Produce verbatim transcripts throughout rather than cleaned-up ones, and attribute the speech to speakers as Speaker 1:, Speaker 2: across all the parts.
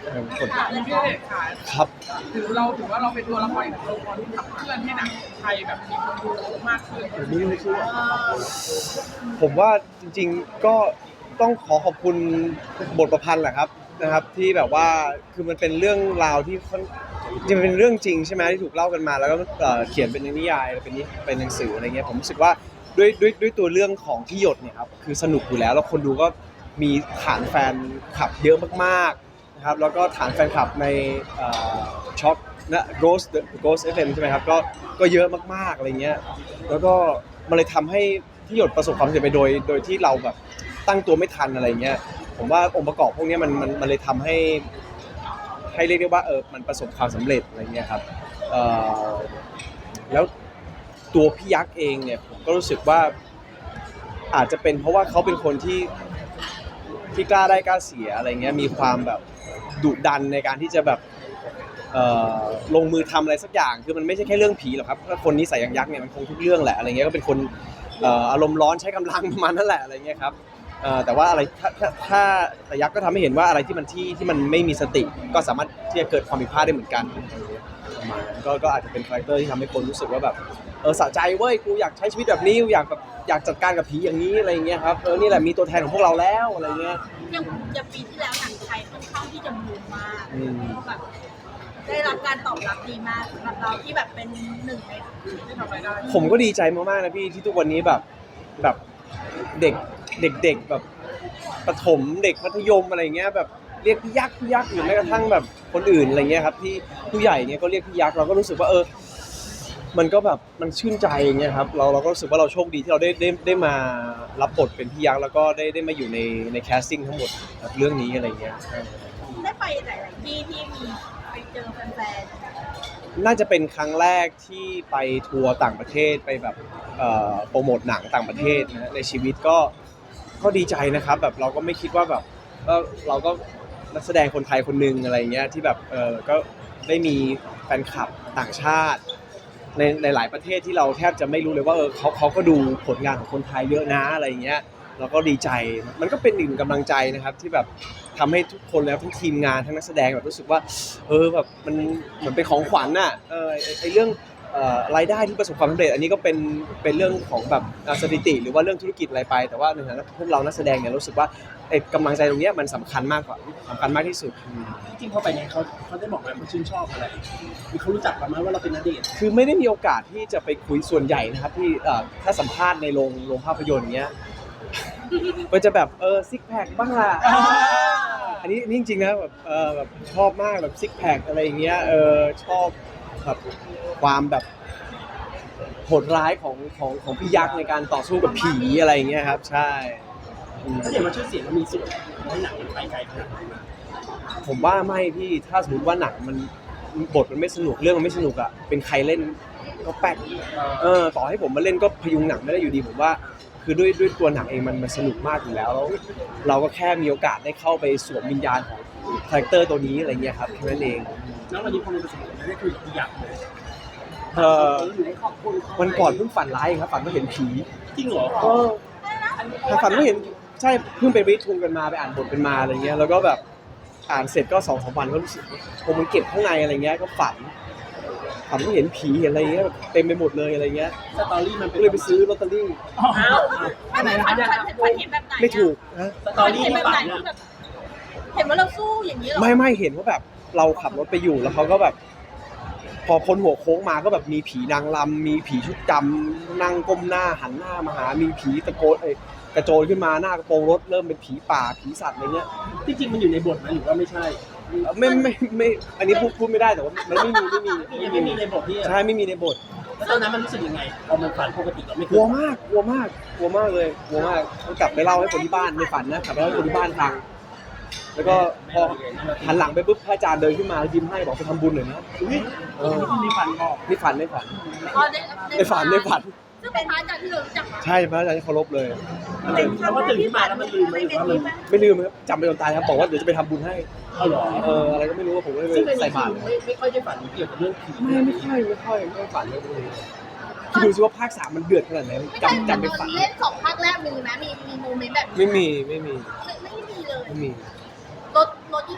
Speaker 1: คน
Speaker 2: ถามเลยพี่เอกค่ะ
Speaker 1: ครับ
Speaker 2: ถือเราถือว่าเราเป็นตัวละครอีกตัวละครที่ขับเคลื่อนให้หนังไทยแบบมีคนดูมากขึ้น
Speaker 1: ผมไม่เชื่อผมว่าจริงๆก็ต้องขอขอบคุณบทประพันธ์แหละครับนะครับที่แบบว่าคือมันเป็นเรื่องราวที่ค่อนจริงๆมันเป็นเรื่องจริงใช่ไหมที่ถูกเล่ากันมาแล้วก็เอ่อเขียนเป็นนิยายเป็นนิเป็นหนังสืออะไรเงี้ยผมรู้สึกว่าด้วยด้วยด้วยตัวเรื่องของที่หยดเนี่ยครับคือสนุกอยู่แล้วแล้วคนดูก็มีฐานแฟนคลับเยอะมากๆนะครับแล้วก็ฐานแฟนคลับในช็อคนะ Ghost Ghost เอฟ เอ็ม ใช่ไหมครับก็ก็เยอะมากๆอะไรเงี้ยแล้วก็มันเลยทำให้ที่หยดประสบความสำเร็จไปโดยโดยที่เราแบบตั้งตัวไม่ทันอะไรเงี้ยผมว่าองค์ประกอบพวกนี้มันมันมันเลยทำให้ให้เรียกได้ว่าเออมันประสบความสำเร็จอะไรเงี้ยครับเอ่อแล้วตัวพี่ยักษ์เองเนี่ยผมก็รู้สึกว่าอาจจะเป็นเพราะว่าเขาเป็นคนที่ที่กล้าได้กล้าเสียอะไรเงี้ยมีความแบบดุดันในการที่จะแบบเอ่อลงมือทำอะไรสักอย่างคือมันไม่ใช่แค่เรื่องผีหรอกครับถ้าคนนิสัยอย่างยักษ์เนี่ยมันคงทุกเรื่องแหละอะไรเงี้ยก็เป็นคนเอ่ออารมณ์ร้อนใช้กำลังประมาณนั่นแหละอะไรเงี้ยครับเอ่อแต่ว่าอะไรถ้าถ้าถ้าแต่ยักษ์ก็ทำให้เห็นว่าอะไรที่มันที่ที่มันไม่มีสติก็สามารถที่จะเกิดความผิดพลาดได้เหมือนกันประมาณนั้นก็ก็อาจจะเป็นคาแรคเตอร์ที่ทำให้คนรู้สึกว่าแบบเออสะใจเว้ยกูอยากใช้ชีวิตแบบนี้กูอยากแบบอยากจัดการกับผีอย่างนี้อะไรเงี้ยครับเออนี่แหละมีตัวแทนของพวกเราแล้วอะไรเงี้ย
Speaker 3: อย่างอย่างปีที่แล้วหนังไทยค่อนข้างที่จะบูมมาก
Speaker 1: อืม
Speaker 3: แบบได้รับการตอบรับดีมากสำหรับเราที่แบบเป็นหนึ่งใน
Speaker 2: ที่ทำอะไรได้
Speaker 1: ผมก็ดีใจมากๆนะพี่ที่ทุกวันนี้แบบแบบเด็กเด็กๆแบบประถมเด็กมัธยมอะไรเงี้ยแบบเรียกพี่ยักษ์พี่ยักษ์หรือแม้กระทั่งแบบคนอื่นอะไรเงี้ยครับที่ผู้ใหญ่เนี่ยก็เรียกพี่ยักษ์เราก็รู้สึกว่าเออมันก็แบบมันชื่นใจอย่างเงี้ยครับเราเราก็รู้สึกว่าเราโชคดีที่เราได้ได้ได้มารับบทเป็นพี่ยักษ์แล้วก็ได้ได้มาอยู่ในในแคสติ้งทั้งหมดเรื่องนี้อะไรเงี้ย
Speaker 3: ได้ไปหลายๆที่ที่มีไปเจอแฟน
Speaker 1: น่าจะเป็นครั้งแรกที่ไปทัวร์ต่างประเทศไปแบบเอ่อโปรโมทหนังต่างประเทศนะในชีวิตก็ก็ดีใจนะครับแบบเราก็ไม่คิดว่าแบบก็เราก็นักแสดงคนไทยคนหนึ่งอะไรเงี้ยที่แบบเออก็ได้มีแฟนคลับต่างชาติในในหลายประเทศที่เราแทบจะไม่รู้เลยว่าเออเขาเขาก็ดูผลงานของคนไทยเยอะนะอะไรเงี้ยเราก็ดีใจมันก็เป็นอีกหนึ่งกำลังใจนะครับที่แบบทำให้ทุกคนแล้วทั้งทีมงานทั้งนักแสดงแบบรู้สึกว่าเออแบบมันเหมือนเป็นของขวัญน่ะเออไอ้ไอ้เรื่องเอ่อรายได้ที่ประสบความสำเร็จอันนี้ก็เป็นเป็นเรื่องของแบบอ่าสถิติหรือว่าเรื่องธุรกิจอะไรไปแต่ว่าในฐานะพวกเรานักแสดงเนี่ยรู้สึกว่าไอ้กำลังใจตรงเนี้ยมันสำคัญมากกว่าสำคัญมากที่สุด
Speaker 4: จริงๆเขาไปเนี่ยเขาเขาได้บอกไหมเขาชื่นชอบอะไรมีเขารู้จักเราไหมว่าเราเป็นณเดชน์
Speaker 1: คือไม่ได้มีโอกาสที่จะไปคุยส่วนใหญ่นะครับที่เอ่อถ้าสัมภาษณ์ในโรงโรงภาพยนตร์เงี้ย มันจะแบบเออซิกแพคบ้างล่ะอันนี้นี่จริงๆนะแบบเออแบบชอบมากแบบซิกแพคอะไรอย่างเงี้ยเออชอบแบบความแบบโหดร้ายของของของพี่ยักษ์ในการต่อสู้กับผีอะไรอย่างเงี้ยครับใช่อืม
Speaker 4: ถ้าเดี๋ยวมาชื่อเสียงเรามีส่วนให้หนังมันไปไกลขนาดนั้นไหม
Speaker 1: ผมว่าไม่พี่ถ้าสมมติว่าหนังมันบทมันไม่สนุกเรื่องมันไม่สนุกอ่ะเป็นใครเล่นก็แป๊กเออต่อให้ผมมาเล่นก็พยุงหนังไม่ได้อยู่ดีผมว่าคือด้วยด้วยตัวหนังเองมันมันสนุกมากอยู่แล้วแล้วเราก็แค่มีโอกาสได้เข้าไปสวมวิญญาณของคาแรคเตอร์ตัวนี้อะไรเงี้ยครับแค่นั้นเอง
Speaker 4: แล้ววันนี้พอมันประสบความสำเร็จได้คุยกับพี่ยักษ์เลย
Speaker 1: เออ
Speaker 4: ได้ขอบคุณเขา
Speaker 1: วันก่อนเพิ่งฝันร้ายครับฝันว่าเห็นผี
Speaker 4: จริงเหรอ
Speaker 1: เออแต่ฝันว่าเห็นใช่เพิ่งไปวิทุงกันมาไปอ่านบทกันมาอะไรเงี้ยแล้วก็แบบอ่านเสร็จก็สองสามวันก็รู้สึกผมมันเก็บข้างในอะไรเงี้ยก็ฝันฝันว่าเห็นผีเห็นอะไรเงี้ยแบบเต็มไปหมดเลยอะไรเงี้ย
Speaker 4: สตอรี่มันเป็
Speaker 1: ก็
Speaker 4: น
Speaker 1: เลยไปซื้อลอตเตอรี่
Speaker 3: ๆอ้าวไม่ไม่ฝันฝันฝันเห็นแบบไหนอะ
Speaker 1: ไม่ถูกนะ
Speaker 4: สตอ
Speaker 3: ฝัน
Speaker 4: รี่
Speaker 3: เห็นแบ
Speaker 4: ที่
Speaker 3: บไหน
Speaker 4: ฝัน
Speaker 3: ที่
Speaker 4: อะ
Speaker 3: แบบเห็นว่าเราสู้อย่างนี้เหรอ
Speaker 1: ไม่ไม่เห็นว่าแบบเราขับรถไปอยู่แล้วเขาก็แบบ พอพ้นหัวโค้งมาก็แบบมีผีนางรำมีผีชุดดำนั่งก้มหน้าหันหน้ามาหามีผีตะโกนเอ้ยกระโจนขึ้นมาหน้ากระโปรงรถเริ่มเป็นผีป่าผีสัตว์อะไรเงี้ย
Speaker 4: ที่จริงมันอยู่ในบทไหมหรือว่าไม่ใช่
Speaker 1: ไม่ไม่ไม่อันนี้พูดพูดไม่ได้แต่ว่ามันไม่มีไม่มี
Speaker 4: ยังไม่มีในบทที่
Speaker 1: ใช่ไม่มีในบท
Speaker 4: แล้วตอนนั้นมันรู้สึกยังไงพอมันฝันปกติเราไม่เค
Speaker 1: ก
Speaker 4: ย
Speaker 1: ลัวมากกลัวมากกลัวมากเลยกลัวมากต้องกลับไปเล่าให้คนที่บ้านในฝันนะกลับไปเล่าให้คนที่บ้านฟังแล้วก็พอหันหลังไปปุ๊บพระอาจารย์เดินขึ้นมายิ้มให้บอกไปทำบุญหน่อยนะ
Speaker 4: อุ้ย
Speaker 1: เออ
Speaker 4: มีฝันบอก
Speaker 1: นี่ฝันในฝัน
Speaker 3: อ๋อใน
Speaker 1: ในฝันในฝัน
Speaker 3: ซึ่งเป็นพระอาจารย์ที่เรารู้จักมา
Speaker 1: ใช่พระอาจารย์ที่เคารพเลย
Speaker 4: แล้วก็ตื่นขึ้นมาแล้วมันลืมไหมหรือว่ามัน
Speaker 1: ไม่ลืมครับจำไปจนตายครับบอกว่าเดี๋ยวจะไปทำบุญให้
Speaker 4: เอาเหรอ
Speaker 1: เอออะไรก็ไม่รู้ว่าผมก็เลย
Speaker 4: ซึ่งใน
Speaker 1: ใส่
Speaker 4: นี้
Speaker 1: บาตร
Speaker 4: ไม่ไม่ค่อยได้ฝันเกี่ยวกับเรื่องผี
Speaker 1: ไม่ไม่ค่อยไม่ค่อยไม่ค่อยฝันเลยคิดดูสิว่าภาคสามมันเดือดขนาดไหน
Speaker 3: ไม่ใช่
Speaker 1: จำจำไป
Speaker 3: ต
Speaker 1: ฝั
Speaker 3: อน นเล่นสองภาคแรกมีไหมมีมีโมเมนต์แบบนี้
Speaker 1: ไม่มีไม่มี
Speaker 3: ไม่ไม่มีเลย
Speaker 1: ไม่มี
Speaker 3: รถรถยี่ห้ออะไรอ่ะ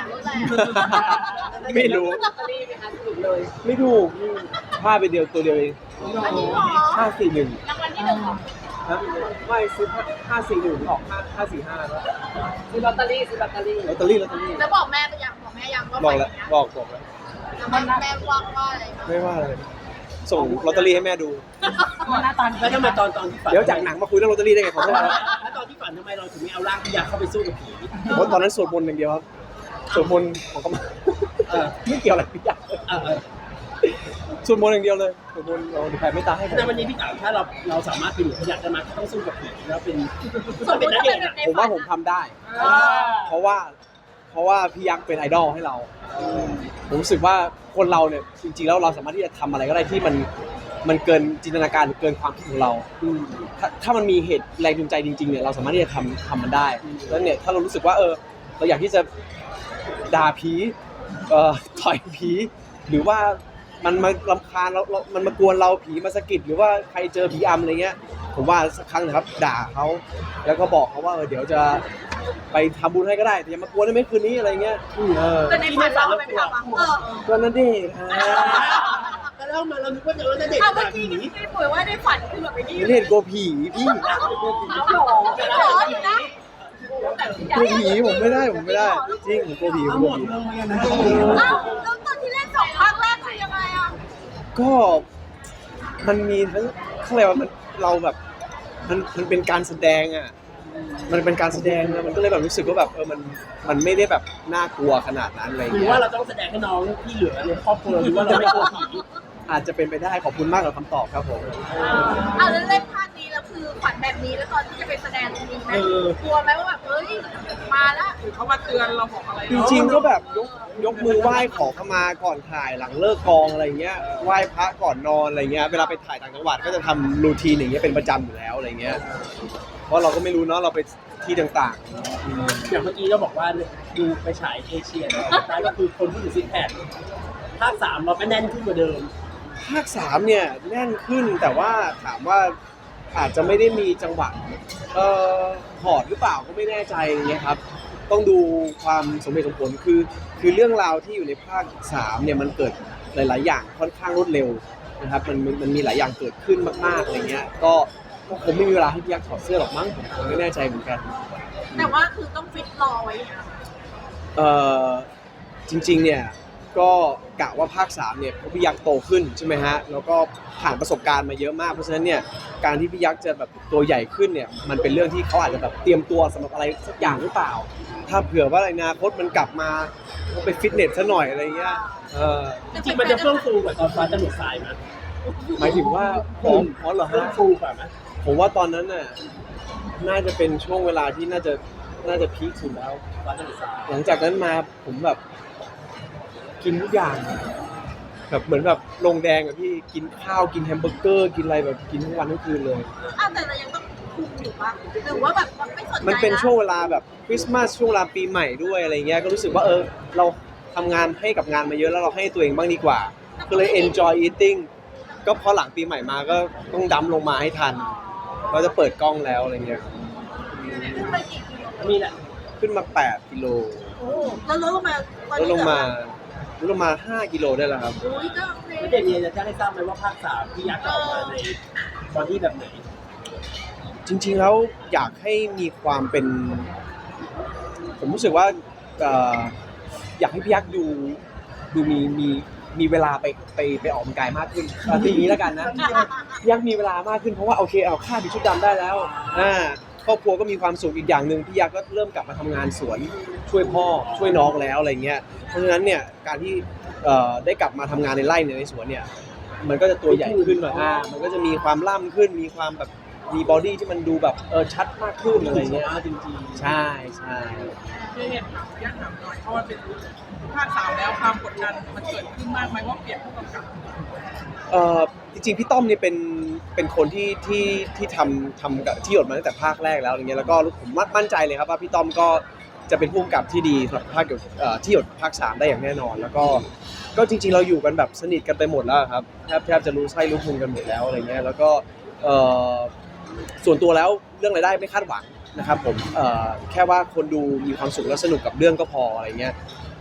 Speaker 3: รถอะไร
Speaker 1: ไม่รู้
Speaker 5: ลอตเตอรี่ไหมคะถูกเลย
Speaker 1: ไม่ถูกพลาดไปเดียวตัวเดียวเอง
Speaker 3: อันนี้หรอ
Speaker 1: ห้าสี่หนึ่ง
Speaker 3: รางวัลที่หนึ่งเหรอ
Speaker 1: ฮะไม่ซื้อห้าสี่หนึ่งออกห้าห้าสี่ห้าแล้ว
Speaker 5: ซื้อลอตเตอรี่ซื้อลอตเตอรี่
Speaker 1: ลอตเตอรี่ลอตเตอรี่
Speaker 3: แล้วบอกแม่ไปยังบอกแม่ยังว่า
Speaker 1: บอก
Speaker 3: ไป
Speaker 1: แล้ว
Speaker 3: เนี้ย
Speaker 1: บอกบอกแล้ว
Speaker 3: แล้วแม่แม่ว่าว่าอะไรบ้าง
Speaker 1: ไม่ว่าอะไรส่งลอตเตอรี่ให้แม่ดู
Speaker 5: หน้าตา
Speaker 4: แล้วทำไมตอนตอนที่ฝัน
Speaker 1: เดี๋ยวจากหนังมาคุยเรื่องลอตเตอรี่ได้ไงขอโทษนะ
Speaker 4: แล้วตอนที่ฝันทำไมเราถึงไม่เอาร่างพี่ยักษ์เข้าไปสู้กับผี
Speaker 1: เพราะตอนนั้นสวดมนต์อย่างเดียวครับสวดมนต์ของกรรม
Speaker 4: เออ
Speaker 1: ไม่เกี่ยวอะไรพี่ยักษ์
Speaker 4: เออเออ
Speaker 1: สวดมนต์อย่างเดียวเลยสวดมนต์เราแผ่ไม่ตายให้ผม
Speaker 4: ในวันนี้พี่ถามถ้าเราเราสามารถเป็นหนูพี่ยักษ์ได้ไหมต้องสู้กับผีแล้วเป็น
Speaker 3: สมมติถ้าเป็นแบบใน
Speaker 1: ผม
Speaker 3: ฝั
Speaker 1: ว่าน ผมทำได้ เพราะว่า เพราะว่าพี่ยักษ์เป็นไอดอลให้เรา ผมรู้สึกว่าคนเราเนี่ยจริงๆแล้วเราสามารถที่จะทำอะไรก็ได้ที่มันมันเกินจินตนาการเกินความคิดของเรา
Speaker 4: อืม
Speaker 1: ถ้าถ้ามันมีเหตุแรงจูงใจจริงๆเนี่ยเราสามารถที่จะทำทำมันได้แล้วเนี่ยถ้าเรารู้สึกว่าเออเราอยากที่จะด่าผีเอ่อต่อยผีหรือว่ามันมารำคาญเราเรามันมากวนเราผีมาสะกิดหรือว่าใครเจอผีอำอะไรเงี้ยผมว่าสักครั้งนะครับด่าเขาแล้วก็บอกเขาว่าเออเดี๋ยวจะไปทำบุญให้ก็ได้แต่อย่ามากวนได้ไหมคืนนี้อะไรเงี้ยเออ
Speaker 3: แต่ในฝันเราไม่ทำอ่ะเออ
Speaker 1: ก็นั่นเอง
Speaker 4: ก็เล่ามาเรานึกว่าเจอแล้วเด็ก
Speaker 3: เอาเมื่อ
Speaker 4: จาก
Speaker 3: กี้
Speaker 4: ผี
Speaker 3: ที่ป่วยว่าในฝันคือแบบไปนี่
Speaker 1: ไม่เห็นกลัวผีพี่
Speaker 5: เอาหรอ
Speaker 3: จริงเหรออยู่นะ
Speaker 1: กลัวผีผมไม่ได้ผมไม่ได้จริงผมกลัวผีผม
Speaker 4: เอา
Speaker 1: ก
Speaker 4: หม
Speaker 1: ลัว
Speaker 4: ด
Speaker 1: ผี
Speaker 4: เลยนะ
Speaker 3: เอ้าแล้วตอนที่เล่นสองภาคแรกคือยังไงอ่ะ
Speaker 1: ก็มันมีทั้งเขาเรียกว่ามันเราแบบมันมันเป็นการแสดงอ่ะมันเป็นการแสดงแล้วมันก็เลยแบบรู้สึกว่าแบบเออมันมันไม่ได้แบบน่ากลัวขนาดนั้นอะไร
Speaker 4: หรือ
Speaker 1: เงี้
Speaker 4: ว่าย เราต้องแสดงให้น้องที่เหลือในครอบครัวหรือว่าเราไม่กลัวผี
Speaker 1: อาจจะเป็นไปได้ขอบคุณมากกับคำตอบครับผม
Speaker 3: เอาแล้วเล่นภาคนี้แล้วคือฝันแบบนี้แล้วตอนที่จะไปแสดงตรงนี้ไหมกลัวไหมว่าแบบเฮ้ยมาละ
Speaker 2: หรือเขามาเตือนเราบอกอะไร
Speaker 1: จริงๆก็แบบยกยกมือไหว้ขอขมาก่อนถ่ายหลังเลิกกองอะไรเงี้ยไหว้พระก่อนนอนอะไรเงี้ยเวลาไปถ่ายต่างจังหวัดก็จะทำรูทีนอย่างเงี้ยเป็นประจำอยู่แล้วอะไรเงี้ยเพราะเราก็ไม่รู้เนาะเราไปที่ต่างๆ
Speaker 4: อย่างเมื่อกี้เราบอกว่าดูไปฉายเอเชียนะสุดท้ายก็คือคนที่อยู่ซิกแพคภาคสามเราไม่แน่นขึ้นกว่าเดิม
Speaker 1: ภาคสามเนี่ยแน่นขึ้นแต่ว่าถามว่าอาจจะไม่ได้มีจังหวะเอ่อถอดหรือเปล่าก็ไม่แน่ใจอย่างเงี้ยครับต้องดูความสมเหตุสมผลคือคือเรื่องราวที่อยู่ในภาคสามเนี่ยมันเกิดหลาย ๆ อย่างค่อนข้างรวดเร็วนะครับมันมันมันมีหลายอย่างเกิดขึ้นมากๆอะไรเงี้ยก็ก็คงไม่มีเวลาให้พี่ยักษ์ถอดเสื้อหรอกมั้งผมไม่แน่ใจเหมือนกัน
Speaker 3: แต่ว่าคือต้องฟิตรอไว้อย่างเงี้ย
Speaker 1: เอ่อจริงๆเนี่ยก็กะว่าภาคสามเนี่ยพี่ยักษ์โตขึ้นใช่ไหมฮะแล้วก็ผ่านประสบการณ์มาเยอะมากเพราะฉะนั้นเนี่ยการที่พี่ยักษ์จะแบบตัวใหญ่ขึ้นเนี่ยมันเป็นเรื่องที่เขาอาจจะแบบเตรียมตัวสำหรับอะไรสักอย่างหรือเปล่า ถ้าเผื่อว่าอนาคตมันกลับมาก็ไปฟิตเนสซะหน่อยอะไรเงี้ยเออ
Speaker 4: จริงๆมันจะเฟื่องฟูกว่าตอนฟ้าจะหลุดสายไหม
Speaker 1: หมายถึงว่าพร้อมพร้อมเหรอ
Speaker 4: เฟื่อ
Speaker 1: ฮะ
Speaker 4: งฟูกว่าไหม
Speaker 1: ผมว่าตอนนั้นน่ะน่าจะเป็นช่วงเวลาที่น่าจะน่าจะพีคสุดแล้ว
Speaker 4: ฟ้าจะหลุดสาย
Speaker 1: หลังจากนั้นมาผมแบบกินทุกอย่างแบบเหมือนแบบลงแดงอะพี่กินข้าวกินแฮมเบอร์เกอร์กินอะไรแบบกินทั้งวันทั้งคืนเลย
Speaker 3: อ้าวแต่เรายังต้องคุมอยู่ปะหรือว่าแบบไม่สนใจ
Speaker 1: มันเป็น
Speaker 3: ละ
Speaker 1: ช่วงเวลาแบบคริสต์มาสช่วงเวลาปีใหม่ด้วยอะไรเงี้ยก็รู้สึกว่าเออเราทำงานให้กับงานมาเยอะแล้วเราให้ตัวเองบ้างดีกว่า ก็เลย enjoy eating ก็พอหลังปีใหม่มาก็ต้องดั้มลงมาให้ทันเราจะเปิดกล้องแล้วอะไรเงี้ย
Speaker 3: ขึ้นไปกี่กิโล
Speaker 4: มีแหละ
Speaker 1: ขึ้นมาแปดกิโล
Speaker 3: โอ้แล้วลดลงมาตอน
Speaker 1: ลด
Speaker 3: นี้
Speaker 1: ลงมา
Speaker 3: เห
Speaker 1: ลดลงมาห้ากิโลได้แล้วครับ
Speaker 3: ลืออุ้ยก็โอเค
Speaker 4: ไม่เด็กเนี่ยจะแจ้งให้ทราบไหมว่าภาคสามพี่ยักษ์จะออกมาในบอดี้แบบไหน
Speaker 1: จริงๆแล้วอยากให้มีความเป็น ผมรู้สึกว่าเอ่ออยากให้พี่ยักษ์ดูดูมีมีมีเวลาไปไปไปออกกำลังกายมากขึ้นเอาทีนี้แล้วกันนะพี่ยักษ์มีเวลามากขึ้นเพราะว่าโอเคเอาค่าดิชุดดำได้แล้วอ่าครอบครัวก็มีความสุขอีกอย่างหนึ่งพี่ยักษ์ก็เริ่มกลับมาทำงานสวนช่วยพ่อช่วยน้องแล้วอะไรเงี้ยเพราะฉะนั้นเนี่ยการที่เอ่อได้กลับมาทำงานในไร่เนี่ยในสวนเนี่ยมันก็จะตัวใหญ่ขึ้นหน่อยอ่ามันก็จะมีความล่ำขึ้นมีความแบบมีบอดี้ที่มันดูแบบเออชัดมากขึ้นอะไรเงี้ย
Speaker 4: จริง
Speaker 1: ใช่ใช่
Speaker 2: คือเหตุถามยากถามหน่อยเพราะว่าเป็นภาคสามแล้วความกดดันมันเกิดขึ้นมากไหมว่าเปลี่ยนผู้กำกับ
Speaker 1: เอ่อจริงๆพี่ต้อมเนี่ยเป็นเป็นคนที่ที่ที่ทำทำกับที่หยดมาตั้งแต่ภาคแรกแล้วอย่างเงี้ยแล้วก็ผมมั่นใจเลยครับว่าพี่ต้อมก็จะเป็นผู้กำกับที่ดีสำหรับภาคหยดเอ่อที่หยดภาคสามได้อย่างแน่นอน แล้วก็ก็จริงๆเราอยู่กันแบบสนิทกันไปหมดแล้วครับแทบแทบจะรู้ไส้รู้พุงกันหมดแล้วอะไรเงี้ยแล้วก็เอ่อส่วนตัวแล้วเรื่องรายได้ไม่คาดหวังนะครับผมเอ่อแค่ว่าคนดูมีความสุขและสนุกกับเรื่องก็พออะไรเงี้ย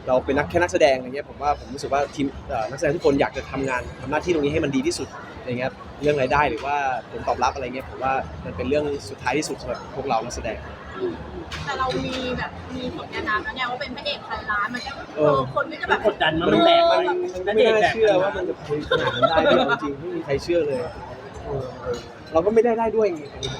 Speaker 1: เราเป็นนักแค่นักแสดงอะไรเงี้ยผมว่าผมรู้สึกว่าทีมเอ่อนักแสดงทุกคนอยากจะทำงานทำหน้าที่ตรงนี้ให้มันดีที่สุดอะไรเงี้ยเรื่องรายได้หรือว่าผลตอบรับอะไรเงี้ยผมว่ามันเป็นเรื่องสุดท้ายที่สุดสำหรับพวกเรานักแสดง
Speaker 3: แต่เรามีแบบมีผลงานนามแล้วไงว่าเป็นพระเอกพันล้านมันก็เออคนก็จะแบบ
Speaker 4: กดดันมันแบก
Speaker 1: มั
Speaker 4: มัน น
Speaker 1: มัน
Speaker 4: นั่น
Speaker 1: ไม่
Speaker 4: เด็ก
Speaker 1: น่า
Speaker 4: แบก
Speaker 1: เชื่อว่ามันจะไปขนาดนั้นได้ด้วยจริงๆไม่มีใครเชื่อเลยเออเราก็ไม่ได้ได้ด้วยไง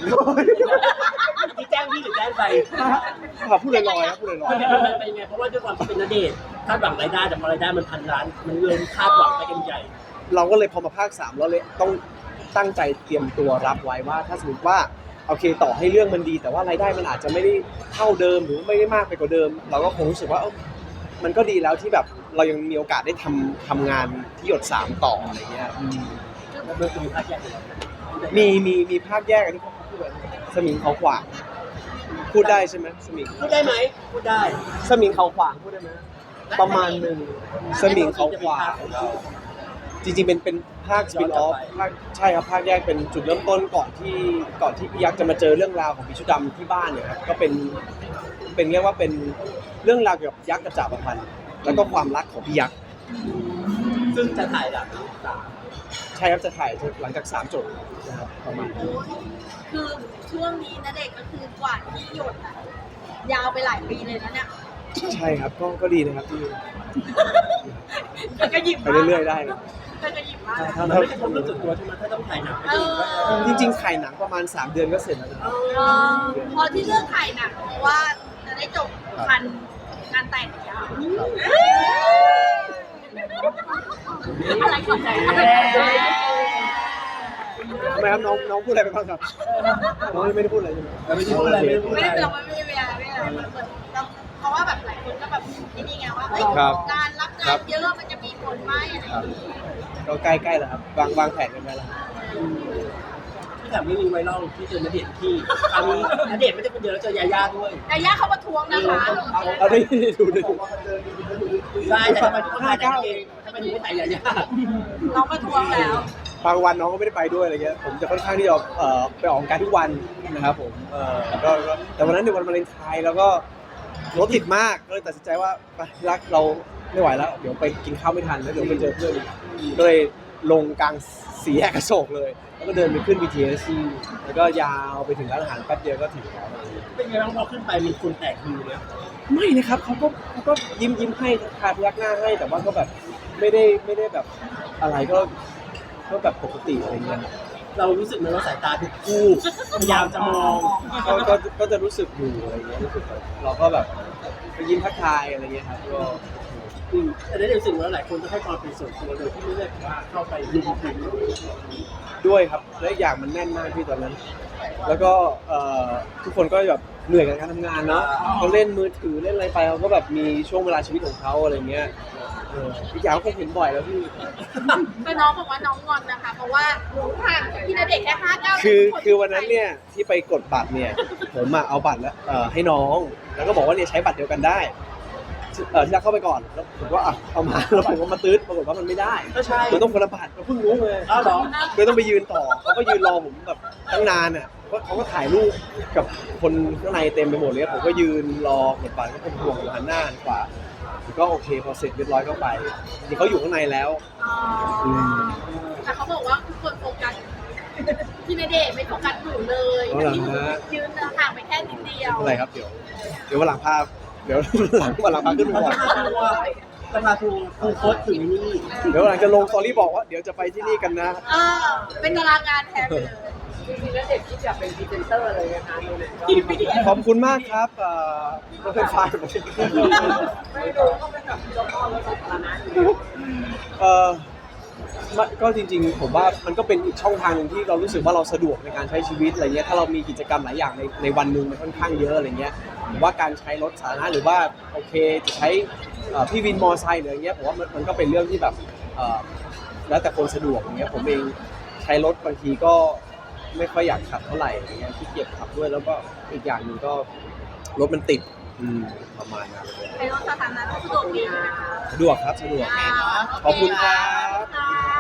Speaker 4: ที่แจ้งพี่หรือแจ้งไป
Speaker 1: ครับพูดลอยๆครับพูดลอย
Speaker 4: มันเป็นมันเป็นไงเพราะว่าด้วยความที่เป็นนเดชน์คาดหวังรายได้แต่พอรายได้มันพันล้านมันเลยคาดหวังไปกันใหญ่
Speaker 1: ๆเราก็เลยพอมาภาคสามเราเลยต้องตั้งใจเตรียมตัวรับไว้ว่าถ้าสมมติว่าโอเคต่อให้เรื่องมันดี แต่ว่ารายได้มันอาจจะไม่ได้เท่าเดิมหรือไม่ได้มากไปกว่าเดิม เราก็คงรู้สึกว่าเอ้ามันก็ดีแล้วที่แบบเรายังมีโอกาสได้ทำทำงานที่หยดสามต่ออะไรเงี้ยอืม
Speaker 4: แล้วมันจะมีภาคแยกอยู่
Speaker 1: มีมีมีภาคแยกอันนี้เขาพูดแบบสมิงเขาขวางพูดได้ใช่ไหมสมิง
Speaker 4: พูดได้ไหมพูดได้
Speaker 1: สมิงเขาขวางพูดได้ไหมประมาณหนึ่งสมิงเขาขวางจริงๆเป็นเป็นภาคสปินออฟภาคใช่ครับภาคแยกเป็นจุดเริ่มต้นก่อนที่ก่อนที่พี่ยักษ์จะมาเจอเรื่องราวของพี่ชุดดำที่บ้านเนี่ยครับก็เป็นเป็นเรียกว่าเป็นเรื่องราวเกี่ยวกับยักษ์กับจ่าประพันธ์แล้วก็ความรักของพี่ยักษ์
Speaker 4: ซึ่งจะถ่ายหลังสาม
Speaker 1: ใช่ครับจะถ่ายหลังจากสามจบนะครับประมาณนั้น
Speaker 3: คือช่วงนี้นะเด็กก็คือกว่าที่หยดอ่ะยาวไปหลายปีเลยนะเนี่ย
Speaker 1: ใช่ครับก็ก็ดีนะครับที่
Speaker 3: เธอก็หยิบ
Speaker 1: ไปเรื่อยๆได้นะ
Speaker 3: เธอก็หยิบมา
Speaker 4: ถ้ามันไม่ใช่ความรู้สึกตัวใช่ไหมถ้าต้องถ่ายหนัง
Speaker 3: เออ
Speaker 1: จริงๆถ่ายหนังประมาณสามเดือนก็เสร็จแล้วนะครับ
Speaker 3: เออพอที่เลือกถ่ายหนังเพราะว่าจะได้จบคันงานแต่งยาวอะไรขอบใจ
Speaker 1: ทำไมครับน้องน้องพูดอะไรไปบ้างครับน้องไม่ได้พูดอะไรใช่ไหม
Speaker 4: ไม่ได้พูดอะไรไม่ได้พูด
Speaker 3: ไม่
Speaker 4: อะไร
Speaker 3: ได้เราไม่ได้เวลาไม่ได้อะไรมันเหมือนเราเพราะว่าแบบหลายคนก็แบบนี่นี่ไงว่าเอ้ย
Speaker 1: ครับ
Speaker 3: งานรับงานเยอะมันจะมีผลไหมอะไรอย่างนี้
Speaker 1: ก็ใกล้ๆแล้วครับวางวางแผนกันไว้แล้ว
Speaker 4: ที่แบบไม่มีไวรัลที่เจอณเดชน์ที่คราวนี้ณเดชน์ไม่ได้คนเดียวแล้วเจอยาย่าด้วย
Speaker 3: ยาย่าเขาประท้วงนะคะ
Speaker 1: เอาได้ดูดิ
Speaker 4: ได้แต่ทำไมถึงต้องถ่ายกันเองทำไมถึงไม่ถ่ายยาย่า
Speaker 3: เราประท้วงแล้ว
Speaker 1: บางวันน้องก็ไม่ได้ไปด้วยอะไรเงี้ยผมจะค่อนข้างที่จะเอ่อไปออกกำลังกายทุกวันนะครับผมเอ่อก็ก็แต่วันนั้นในวันวาเลนไทน์แล้วก็รถติดมากก็เลยตัดสินใจว่าไปรักเราไม่ไหวแล้วเดี๋ยวไปกินข้าวไม่ทันแล้วเดี๋ยวไปเจอเพื่อนก็เลยลงกลางสี่แยกอโศกเลย แล้วก็เดินไปขึ้น บี ที เอส แล้วก็ยาวไปถึงร้านอาหารแป๊บเดียวก็ถึงแล้ว
Speaker 4: เป็นไงบ้างพอขึ้นไปมีคนแตกฮือเลย
Speaker 1: ไม่นะครับเขาก็เขาก็ยิ้มยิ้มให้ทาพยักหน้าให้แต่ว่าก็แบบไม่ได้ไม่ได้แบบอะไรก็ก็แบบปกติอะไรเงี้ย
Speaker 4: เรารู้สึกไหมว่าสายตาทุกคู่พยายามจะมอง
Speaker 1: ก็ก็ก็จะรู้สึกอยู่อะไรเงี้ยรู้สึกแบบเราก็แบบไปยิ้มทักทายอะไรเงี้ยครับก็
Speaker 4: อืมแต่ได้รู้สึกว่าหลายคนจะให้ความเป็นส่วนตัวโดยที่ไม่ได้ว่าเข้าไปลุมถึง
Speaker 1: ด้วยครับและอีกอย่างมันแน่นมากที่ตอนนั้น แล้วก็เอ่อทุกคนก็แบบเหนื่อยกับการทำงานเนาะเขาเล่นมือถือเล่นอะไรไปเขาก็แบบมีช่วงเวลาชีวิตของเขาอะไรเงี้ยเอออีกอย่างก็คงเห็นบ่อยแล้วพี่
Speaker 3: แต่น้องบอกว่าน้องงอนนะคะ เพราะว่าหนูห่างจากพี่ณเดชน์แค่ห้าเก้า
Speaker 1: คือคือวันนั้นเนี่ยที่ไปกดบัตรเนี่ยผมอะเอาบัตรแล้วเอ่อให้น้องแล้วก็บอกว่าเนี่ยใช้บัตรเดียวกันได้เออที่รักเข้าไปก่อนแล้วผมก็อ่ะเอามาแล้วผมก็มาตื้ดปรากฏว่ามันไม่ได้
Speaker 4: ก็ใช่
Speaker 1: มันต้องคนละบัตรเราเพิ่งรู้เลย
Speaker 4: อ้าวเหรอ
Speaker 1: เลยต้องไปยืนต่อเขาก็ยืนรอผมแบบตั้งนานอ่ะเพราะเขาก็ถ่ายรูปกับคนข้างในเต็มไปหมดเลยผมก็ยืนรอกดบัตรก็เป็นห่วงอยู่หันหน้าหันขวาก็โอเคพอเสร็จเรียบร้อยก็ไปจริงๆเขาอยู่ข้างในแล้ว
Speaker 3: อ๋อแต่เขาบอกว่าทุกคนโฟกัสพี่ณเดชน์ไม่โฟกัสหนูเลย
Speaker 1: เอาเหรอฮะ
Speaker 3: ยืนห่างไปแค่นิดเดียว
Speaker 1: อะไรครับเดี๋ยวเดี๋ยววันหลังภาพเดี๋ยวหลังวันหลังภาพขึ้น
Speaker 4: เขา
Speaker 1: หัว
Speaker 4: จะพาทัวร์จะพาทัวร์คูโค้ดถึงนี่
Speaker 1: เดี๋ยวหลังจะลงสตอรี่บอกว่าเดี๋ยวจะไปที่นี่กันนะ
Speaker 3: เออเป็นตารางงานแทนไปเลย
Speaker 5: จริงๆแล้วเด็กที่จะเป็นพรีเซนเตอร์เลยนะคะในนั้นก็
Speaker 1: ขอบคุณมากครับเอ่อรถไฟฟ้า
Speaker 5: ไม่รู้ก็เป็นแบบเจ้าพ่อรถสาธารณะอยู่
Speaker 1: เออมันก็จริงๆผมว่ามันก็เป็นอีกช่องทางหนึ่งที่เรารู้สึกว่าเราสะดวกในการใช้ชีวิตอะไรเงี้ยถ้าเรามีกิจกรรมหลายอย่างในในวันหนึ่งมันค่อนข้างเยอะอะไรเงี้ยผมว่าการใช้รถสาธารณะหรือว่าโอเคจะใช้เอ่อพี่วินมอไซค์หรืออะไรเงี้ยผมว่ามันมันก็เป็นเรื่องที่แบบเอ่อแล้วแต่คนสะดวกอย่างเงี้ยผมเองใช้รถบางทีก็ไม่ค่อยอยากขับเท่าไหร่อะไรเงี้ยขี้เกียจขับด้วยแล้วก็อีกอย่างหนึ่งก็รถมันติดอืมประมาณนั้นเลย
Speaker 3: เป็นรถสาธารณะก็สะดวกดีใช่ไหมคะ
Speaker 1: สะดวกครับสะดวก
Speaker 3: อ่าโเ
Speaker 1: ขอบคุณครับ
Speaker 3: ค่ะ